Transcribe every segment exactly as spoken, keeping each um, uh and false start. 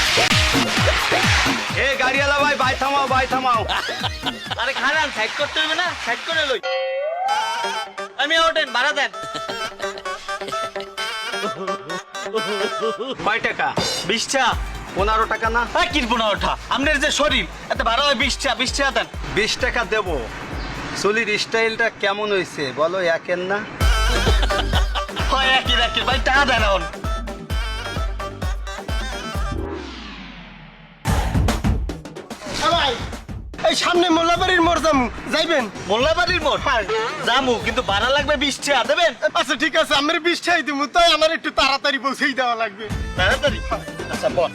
এ গাড়িওয়ালা ভাই ভাই থামাও ভাই থামাও। আরে খারান সাইড করতে হবে না, সাইড করে লই। আমি ওঠেন ভাড়া দেন। কয় টাকা? বিশটা। পনেরো টাকা না? হ্যাঁ কিনবো না ওঠা, আপনার যে শরীর এত ভাড়া হয় বিশটা, বিশ টাকা দেন। বিশ টাকা দেবো। চুলির স্টাইলটা কেমন হয়েছে বলো, একের না? হয় একই রাখি ভাই, টাকা দেন এখন। এই সামনে মোল্লাবাড়ির মোড় যামু, যাইবেন? মোল্লাবাড়ির মোড় জামু, কিন্তু ভাড়া লাগবে বিশ টাকা দেবেন। আচ্ছা ঠিক আছে, আমার বিশটাই দিমু, তাই আমার একটু তাড়াতাড়ি পৌঁছেই দেওয়া লাগবে। তাড়াতাড়ি আচ্ছা বল।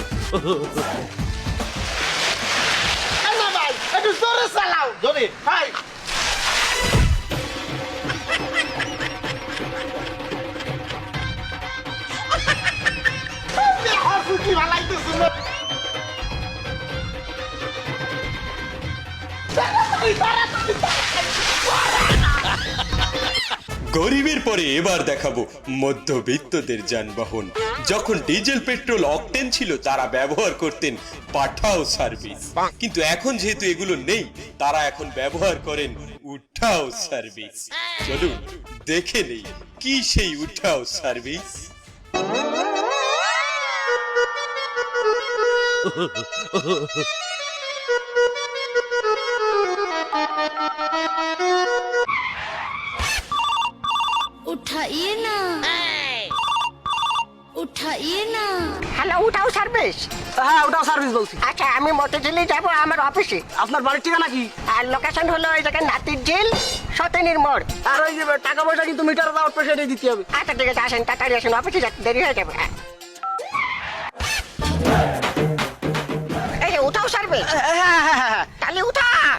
না ভাই, একটু জোরে চালাও। জোরে ভাই কি ভালাইতেছ না? গরিবের পরে এবার দেখাবো মধ্যবিত্তদের যানবাহন। যখন ডিজেল পেট্রোল অকটেন ছিল তারা ব্যবহার করতেন পাঠাও সার্ভিস, কিন্তু এখন যেহেতু এগুলো নেই তারা এখন ব্যবহার করেন উঠাও সার্ভিস। চলুন দেখে নেই কি সেই উঠাও সার্ভিস। उठाइए ना, उठाइए ना। হ্যালো, উঠাও সার্ভিস? হ্যাঁ ওটাও সার্ভিস বলছি। আচ্ছা, আমি মতিঝিলে যাব আমার অফিসে। আপনার বাড়ির ঠিকানা কি? আর লোকেশন হলো ওই জায়গায় নাতির ঝিল, সতেনির মোড়। আর ওই যে টাকা পয়সা কিন্তু মিটারে দেওয়ার পয়সা এটাই দিতে হবে। আচ্ছা ঠিক আছে, আসেন তাড়াতাড়ি আসেন, অফিসে যেতে দেরি হয়ে যাবে। হ্যাঁ। এই যে উঠাও সার্ভিস? হ্যাঁ হ্যাঁ হ্যাঁ হ্যাঁ। তাহলে উঠাও।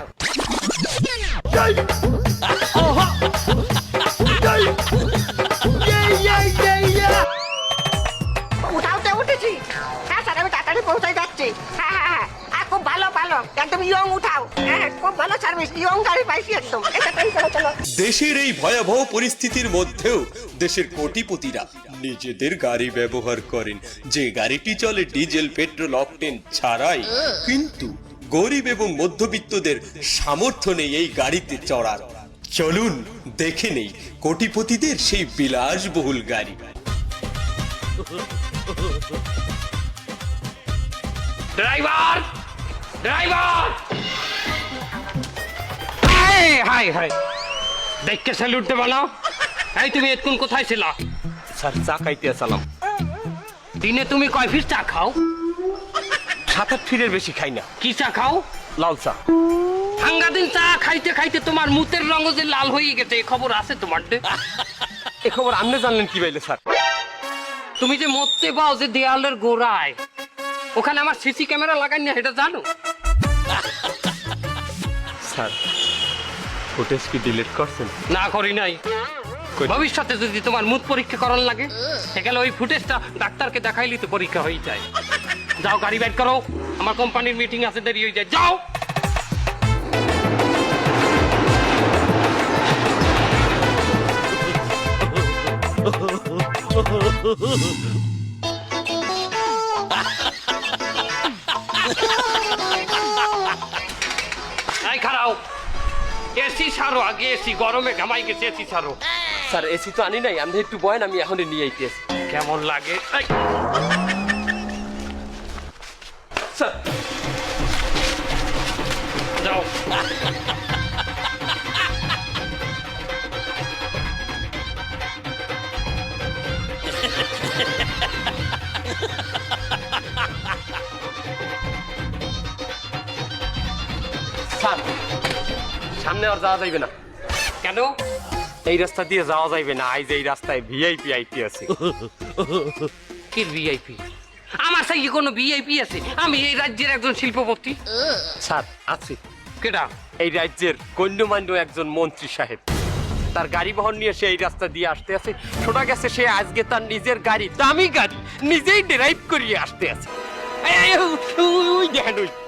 উঠাওতে উঠেছি। হ্যাঁ স্যার, আমি তাড়াতাড়ি পৌঁছে যাচ্ছি। হ্যাঁ হ্যাঁ হ্যাঁ, আর খুব ভালো ভালো, একদম ইয়ং উঠাও। হ্যাঁ খুব ভালো সার্ভিস, ইয়ং গাড়ি পাইছি একদম। এটা তাই চলো চলো। দেশের এই ভয়াবহ পরিস্থিতির মধ্যেও দেশের কোটিপতিরা নিজেদের গাড়ি ব্যবহার করেন, যে গাড়িটি চলে ডিজেল পেট্রোল অকটেন ছাড়াই। কিন্তু গরিব এবং মধ্যবিত্তদের সামর্থ্য নেই এই গাড়িতে চড়ার। চলুন দেখে নেই কোটিপতিদের সেই বিলাসবহুল গাড়ি। ড্রাইভার ড্রাইভার হাই হাই হাই দেখকে স্যালুট দে বানাও। এই তুমি এতক্ষণ কোথায় ছিলা? স্যার চা খাইতে আসলাম। দিনে তুমি কয় পিস চা খাও? সাত আট ফিরের বেশি খাই না। কি চা খাও? লাল চা। ভাঙ্গা দিন চা খাইতে খাইতে তোমার মুতের রঙ যে লাল হয়ে গেছে, এই খবর আছে তোমার? এ খবর আপনি জানলেন কি বাইলে স্যার? তুমি যে মরতে পাও যে দেয়ালের গোড়ায়, ওখানে আমার সিসি ক্যামেরা লাগাই না, এটা জানো? স্যার ফুটেজ কি ডিলিট করছেন? না করি নাই। ভবিষ্যতে যদি তোমার মুখ পরীক্ষা করার লাগে, সেখানে ওই ফুটেজটা ডাক্তারকে দেখাইলি তো পরীক্ষা হয়ে যায়। যাও গাড়ি বাইর করো, আমার কোম্পানির মিটিং আছে, দেরি হয়ে যায়, যাও। এই খারাও, এসি সারো আগে, এসি গরমে ঘামাই গেছে, এসি সারো। স্যার এসি তো আনি নাই, আপনি একটু বয়েন, আমি এখন নিয়ে আইতেছি। কেমন লাগে? এই, স্যার যাও। স্যার সামনে আর যাওয়া যাইবে না। কেন? এই রাস্তা দিয়ে যাওয়া যাইবে না, আইজ এই রাস্তায় ভিআইপি আইতে আছে। কি ভিআইপি? আমার সাথে কোনো ভিআইপি আছে? আমি এই রাজ্যের একজন শিল্পপতি। স্যার আছি। কেডা? এই রাজ্যের গণ্যমান্য একজন মন্ত্রী সাহেব, তার গাড়ি বহন নিয়ে সে এই রাস্তা দিয়ে আসতে আছে। শোনা গেছে সে আজকে তার নিজের গাড়ি, দামি গাড়ি, নিজেই ড্রাইভ করিয়ে আসতে আছে। এই, এই, ওই দেখেন ওই